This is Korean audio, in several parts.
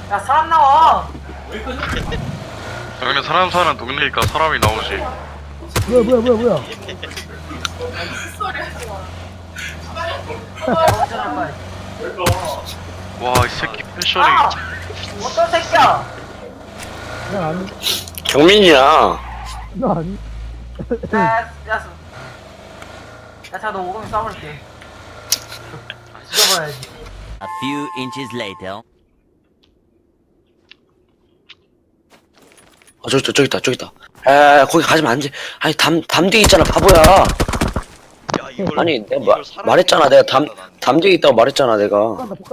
야 사람 나와. 당연히 사람 사는 동네니까 사람이 나오지. 뭐야. 정신할 거야. 와 이 새끼 패션이 아! 어떤 새끼야? 난 아니. 경민이야. 나 아니. 야, 자, 너 오금이 싸울게. 죽여버려야지. A few inches later. 저기 있다. 에, 거기 가지면 안 돼. 아니, 담 뒤에 있잖아, 바보야. 야, 이걸, 아니, 내가 이걸 사람이 말했잖아. 내가 담 나는. 뒤에 있다고 말했잖아, 내가.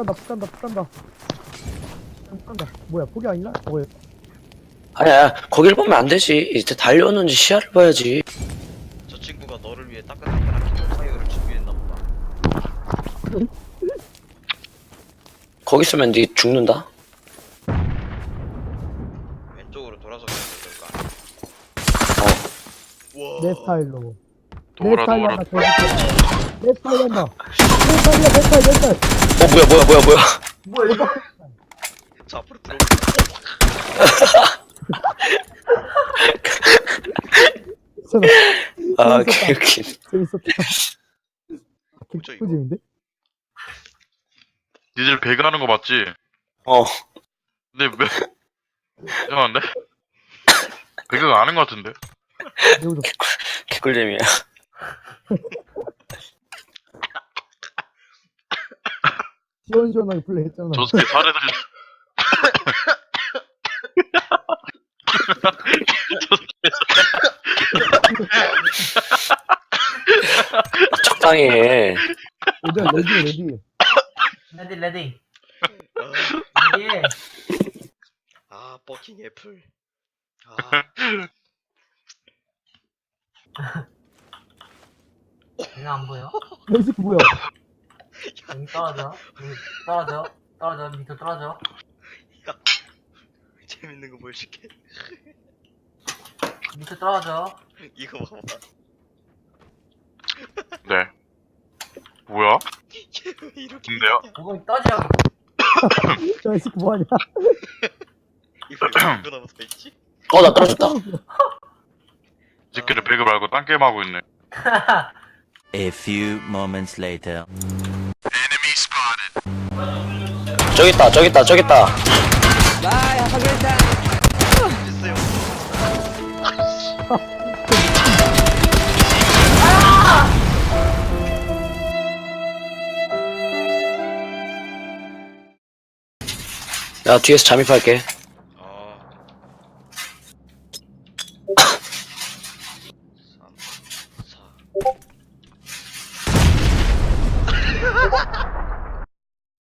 폭간다. 뭐야, 폭이 아니나? 뭐야. 아니야, 거길 보면 안 되지. 이제 달려오는지 시야를 봐야지. 저 친구가 너를 위해 따끈따끈한 킹파이어를 준비했나 보다. 거기 있으면 니 죽는다. 왼쪽으로 돌아서 가야 될까? 와. 내 스타일로. 도우라. 내 스타일 한다. 내 스타일. 뭐야. 뭐야, 이거? 저 앞으로 들어. 아, 개웃긴. 재밌었다. 뭐죠, 이거? 개꿀잼인데? 니들 배가 하는 거 맞지? 어, 근데 왜 이상한데? 배가 아는 거 같은데? 매우 좋 개꿀잼이야. 시원시원하게 플레이했잖아. 저 새끼 사례들 적당히 해. 일단 레디. 레디. 아, 레디. 아, 버킹 애플. 아, 이거 안 보여? 레디 뭐야? 여기 떨어져. 밑으로 떨어져. 재밌는 거 보여줄게. 밑으로 떨어져. 이거 봐봐. 네. 뭐야? 얘왜 이렇게. 근데요? 오금이 떠져. 저 새끼 뭐하냐? 이거 왜 이거 나서 있지? 나 떨어졌다. 이 새끼들 배그 말고 딴 게임 하고 있네. A few moments later. 저기 있다. 됐어요. 야, 뒤에서 잠입할게. 아. 3, 4.